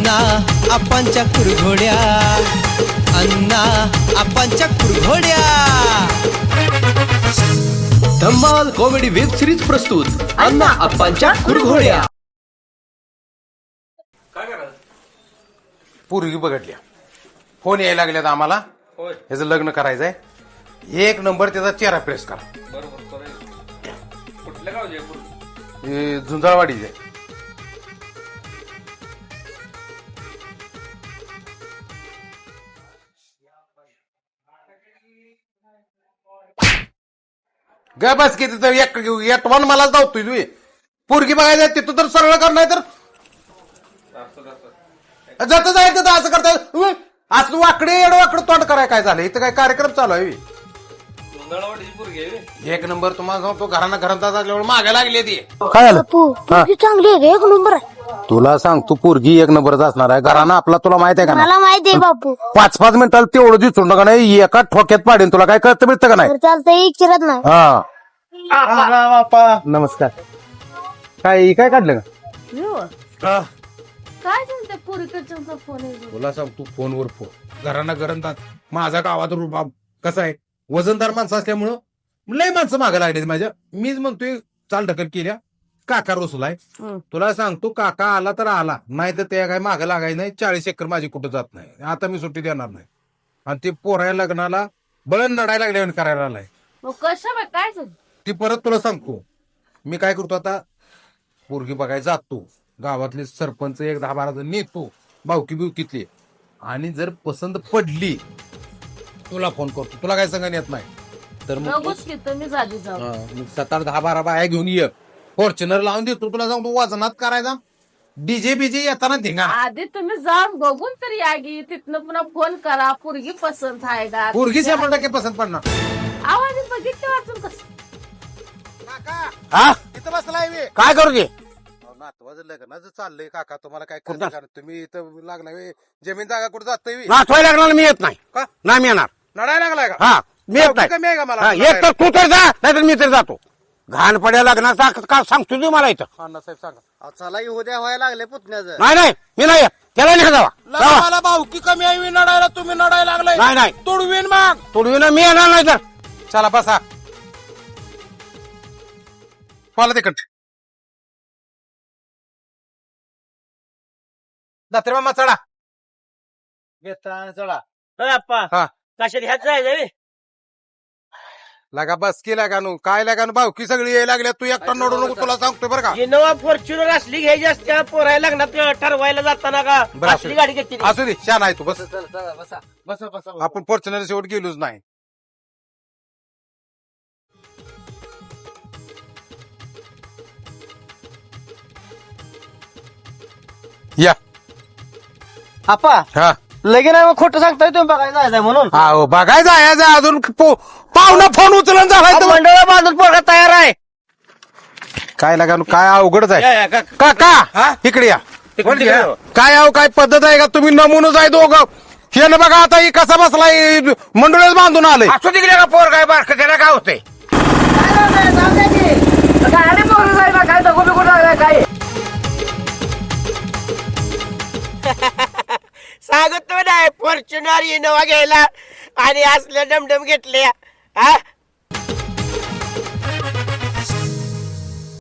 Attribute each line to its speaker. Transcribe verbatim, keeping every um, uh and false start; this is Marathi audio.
Speaker 1: अण्णा आपांच्या कुरघोड्या, अण्णा आपांच्या कुरघोड्या.
Speaker 2: धम्माल कॉमेडी वेब सिरीज प्रस्तुत अण्णा आपांच्या कुरघोड्या.
Speaker 3: पूर्वी बघडल्या फोन यायला लागल्यात आम्हाला. ह्याचं लग्न करायचंय. एक नंबर त्याचा चेहरा प्रेस करा.
Speaker 4: कुठल्या गावचे
Speaker 3: हे झुंजाळवाडीचे. ग बस किती तर एक वन मलाच धावतोय तुम्ही. पोरगी बघायचं तिथं तर सरळ करणार तर जात जायचं तर असं करताय. असं वाकडे एड वाकडं तोंड कराय काय झालं. इथं काय कार्यक्रम चालू आहे. एक नंबर तुम्हाला सांगतो घराना घरात असल्यामुळे मागे लागली ती. काय झालं
Speaker 5: चांगली आहे एक नंबर आहे.
Speaker 3: तुला सांग तू पोरगी एक नंबरच असणार आहे. घराना आपला तुला माहित आहे का
Speaker 5: मला माहिती आहे बापू.
Speaker 3: पाच पाच मिनिटाला तेवढं दिसून नका नाही. एका ठोक्यात पाडेन. तुला काय कळतं मिळतं का नाही.
Speaker 5: चालतंय विचारत नाही.
Speaker 3: हा नमस्कार. काय काय काढलं का
Speaker 5: काय सांगते पुरीकडचा फोन आहे.
Speaker 3: तुला सांग तू फोनवर फोन घराना घरात माझा गावात रुबाब कसा आहे. वजनदार माणसं असल्यामुळं लय माणसं मागे लागले माझ्या. मीच म्हणतोय चाल ढकल केल्या. काका रोसलाय. तुला सांगतो काका आला तर आला नाही तर त्या काय मागे लागायचं नाही. चाळीस एकर माझी कुठं जात नाही. आता मी सुट्टी देणार नाही. आणि ते पोराया लग्नाला बळण लढायला लागल्या करायला आलाय.
Speaker 5: कशा काय
Speaker 3: ती परत तुला सांगतो मी काय करतो आता. पोरगी बघायला जातो. गावातले सरपंच एक दहा बारा जण नेतो. भावकी बिवकीतली. आणि जर पसंत पडली तुला फोन करतो. तुला काय सांगा येत नाही तर मग सात आठ दहा बारा बाया घेऊन ये. फॉर्च्युनर लावून देतो. तुला सांगतो वजनात करायचा. डीजे बीजे येताना धिंगा.
Speaker 6: आधी तुम्ही जाऊन बघून तरी या गी. तिथनं पुन्हा फोन करा. पोरगी पसंत आहे का.
Speaker 3: पोरगी शंभर टक्के पसंत पडणार.
Speaker 6: आवाज बघितलं वाचून कसं
Speaker 3: हा इथं बसलाय मी. काय करू दे नातवाचं लग्नाचं चाललंय. काका तुम्हाला काय करणार. तुम्ही इथं लागला जमीन जागा कुठं जातोय.
Speaker 7: नाचवायला लागणार मी येत नाही.
Speaker 3: का
Speaker 7: नाही मी येणार.
Speaker 3: लढायला लागलाय का.
Speaker 7: हा मी येत नाही.
Speaker 3: कमी आहे का मला.
Speaker 7: हा, एक तर तू तर जा नाहीतर मी तर जातो. घाण पड्या लग्नाचा का सांगतो तू मला इथं.
Speaker 3: अण्णासाहेब सांगा.
Speaker 8: चला उद्या व्हायला लागले पुतण्याचं.
Speaker 7: नाही नाही मी नाही येत. त्याला नाही जावा जावा.
Speaker 3: मला भाऊकी कमी आहे. मी लढायला तुम्ही लढायला लागलाय.
Speaker 7: नाही नाही
Speaker 3: तोडवीन मग.
Speaker 7: तोडवीन मी येणार नाही तर.
Speaker 3: चला बसा. मला तिकट दात्रे मामा चढा.
Speaker 8: चला
Speaker 3: हा
Speaker 8: कशात ह्याच जायचं
Speaker 3: लागा बस की लागा नू काय लागा नू भाऊकी सगळी यायला लागल्या. तू एकटा नडू नको. तुला सांगतोय बरं का.
Speaker 8: इनोवा फॉर्च्युनर असली घ्यायची असते. पोरायला लग्नात ठरवायला जाताना का
Speaker 3: बरं,
Speaker 8: असली गाडी घेतली.
Speaker 3: असू दे छान आहे तू बस.
Speaker 8: बसा बसा बसा
Speaker 3: आपण फॉर्च्युनर शेवट गेलोच नाही. या
Speaker 8: आपा
Speaker 3: हा
Speaker 8: लगेच आहे मग खोटं सांगताय तुम्ही बघायला जायचंय म्हणून.
Speaker 3: हो बघायचं आहे अजून पो- पाहुणा फोन उचलून झालाय तर
Speaker 8: मंडळ बांधून पोरगा तयार आहे.
Speaker 3: काय लागा नू काय अवघडच आहे.
Speaker 8: या, या, का-
Speaker 3: काका इकडे या.
Speaker 8: तिकडे या.
Speaker 3: काय अहो काय पद्धत आहे का. तुम्ही नमुनच आहे दोघं. हे ना बघा आता ही कसा बसलाय. मंडळच बांधून आलंय.
Speaker 7: असू तिकडे का पोर काय बारक त्याला काय होतंय.
Speaker 8: सांगत तो नाही फॉर्च्युनर इनोवा घ्यायला आणि असल्या डमडम घेतले. हा